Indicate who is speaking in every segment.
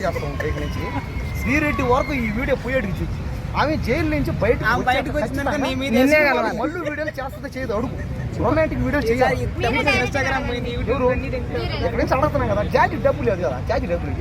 Speaker 1: శ్రీరెడ్డి వరకు ఈ వీడియో పోయేటికి ఆమె జైలు నుంచి బయటకు వచ్చినాక మళ్ళీ వీడియోలు చేస్తుందో చేయదు అడుగు రొమాంటిక్ వీడియో చేయాలి అడుగుతున్నాం కదా జాతి డబ్బు లేదు కదా జాతి డబ్బులు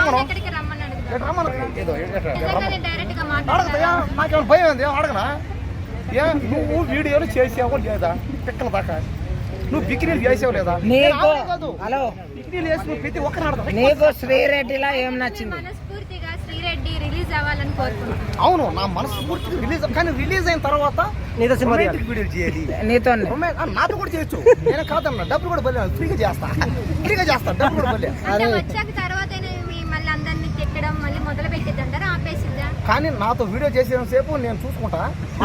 Speaker 1: అడగదా నాకేమైనా భయం ఉంది అడగనా నువ్వు వీడియోలు చేసావో లేదా పిక్కల దాకా నువ్వు బికినీలు చేసావు లేదా
Speaker 2: హలో
Speaker 1: బికినీలు వేసి నువ్వు ప్రతి ఒక్కరు
Speaker 2: నీకు శ్రీరెడ్డిలా ఏం నచ్చింది?
Speaker 3: శ్రీరెడ్డి రిలీజ్ అవ్వాలని కోరుకుంటున్నాను.
Speaker 1: అవును నా మనసు పూర్తిగా రిలీజ్ కానీ రిలీజ్ అయిన తర్వాత వీడియోలు చేయాలి
Speaker 2: నీతో
Speaker 1: నాతో కూడా చేయొచ్చు నేను కాదన్నా డబ్బులు కూడా బలి ఫ్రీగా చేస్తా డబ్బులు కూడా బలి
Speaker 3: వచ్చాక తర్వాత మళ్ళీ అందరినీ తిట్టడం మళ్ళీ మొదలు పెట్టేది అంటారా ఆపేసిద్దా?
Speaker 1: కానీ నాతో వీడియో చేసిన సేపు నేను చూసుకుంటా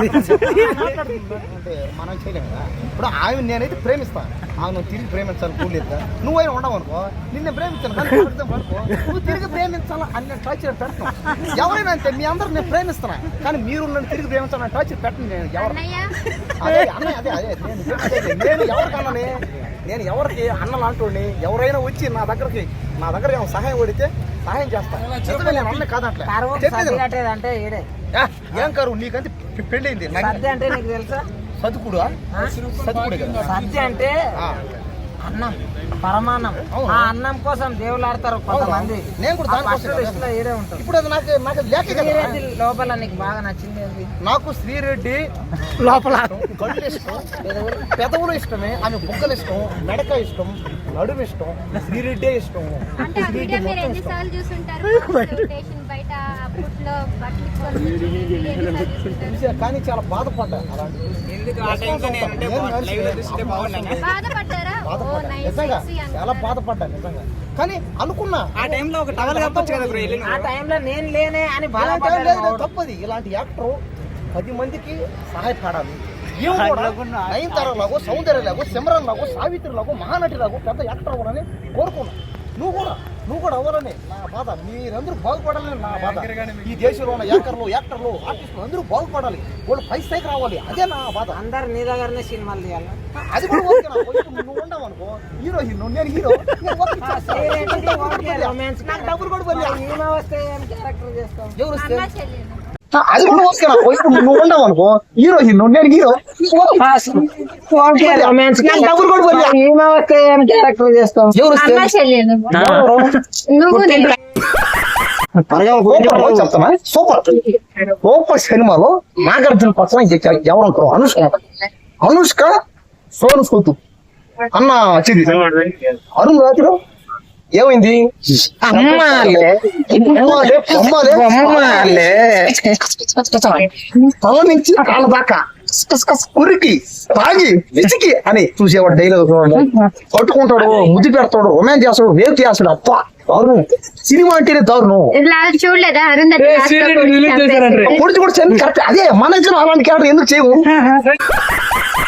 Speaker 1: అంటే మనం చేయలేము కదా. ఇప్పుడు ఆమె నేనైతే ప్రేమిస్తాను ఆమె నువ్వు తిరిగి ప్రేమించాలి కూడలేదు నువ్వైనా ఉండవు అనుకో నిన్ను ప్రేమించాను కానీ నువ్వు తిరిగి ప్రేమించాలా అని టార్చర్ పెడతాను ఎవరైనా అంతే మీ అందరూ నేను ప్రేమిస్తున్నా కానీ మీరు నన్ను తిరిగి ప్రేమించాలని టార్చర్ పెట్టను నేను ఎవరు అదే అదే అదే నేను ఎవరికన్నానే నేను ఎవరికి అన్న లాంటి ఎవరైనా వచ్చి నా దగ్గర ఏమైనా సహాయం పడితే సహాయం చేస్తాను నేను అన్న కాదంటే ఏం కరువు నీకంటే పెళ్ళైంది
Speaker 2: అంటే నీకు తెలుసా
Speaker 1: సతుకుడు
Speaker 2: సత్య అంటే అన్నం పరమాన్నం ఆ అన్నం కోసం దేవుళ్ళు ఆడతారు కొంతమంది.
Speaker 1: నేను కూడా ఇప్పుడు అది నాకు
Speaker 2: శ్రీరెడ్డి లోపల నీకు బాగా నచ్చింది?
Speaker 1: నాకు శ్రీరెడ్డి లోపల కళ్ళు ఇష్టం పెదవులు ఇష్టమే ఆమె బుగ్గలు ఇష్టం మెడక ఇష్టం నడుము ఇష్టం శ్రీరెడ్డే ఇష్టం. కానీ చాలా బాధపడ్డా నిజంగా చాలా బాధపడ్డా నిజంగా కానీ అనుకున్నా
Speaker 2: ఆ టైంలో ఒక టవల్ కప్పొచ్చు కదా బ్రో ఆ టైంలో నేను లేనే అని
Speaker 1: బాధపడ్డా. తప్పది ఇలాంటి యాక్టర్ 10 మందికి సహాయపడాలి నయనతారలాగో సౌందర్యలాగో సిమ్రన్ లాగో సావిత్రి లాగో మహానటి లాగో పెద్ద యాక్టర్ అవ్వాలని కోరుకున్నా నువ్వు కూడా అవ్వాలని నా బాధ మీరందరూ బాగుపడాలని నా బాధ ఈ దేశంలో ఉన్న యాక్టర్లు ఆర్టిస్టులు అందరూ బాగుపడాలి వాళ్ళు పై స్థాయికి రావాలి అదే నా బాధ.
Speaker 2: అందరు నీ దగ్గరనే సినిమాలు తీయాలి
Speaker 1: అది కూడా ఓకే నువ్వు ఉండవు అనుకో హీరో నేను హీరో డబ్బులు కూడా ఎవరు వస్తే అది కూడా ఓకే నువ్వు ఉండవు అనుకో హీరో నేను హీరో డబ్బులు కూడా
Speaker 2: చేస్తాం.
Speaker 1: చెప్తామా సూపర్ సినిమాలో నాగార్జున పక్కన ఎవరు అనుష్క సోను సూతు అన్న వచ్చింది అరుణ్ రాత్రి ఏమైంది తల నుంచి కాళ్ళ దాకా కురికి తాగి విసికి అని చూసేవాడు డైలాగ్ పట్టుకుంటాడు ముద్దు పెడతాడు రొమాన్స్ చేస్తాడు వేవ్ చేస్తాడు అప్ప దారుణం సినిమా అంటేనే దారుణం
Speaker 3: చూడలేదా
Speaker 1: పొడిచి కూడా కరెక్ట్ అదే మన అలాంటి క్యారెక్టర్ ఎందుకు చేయము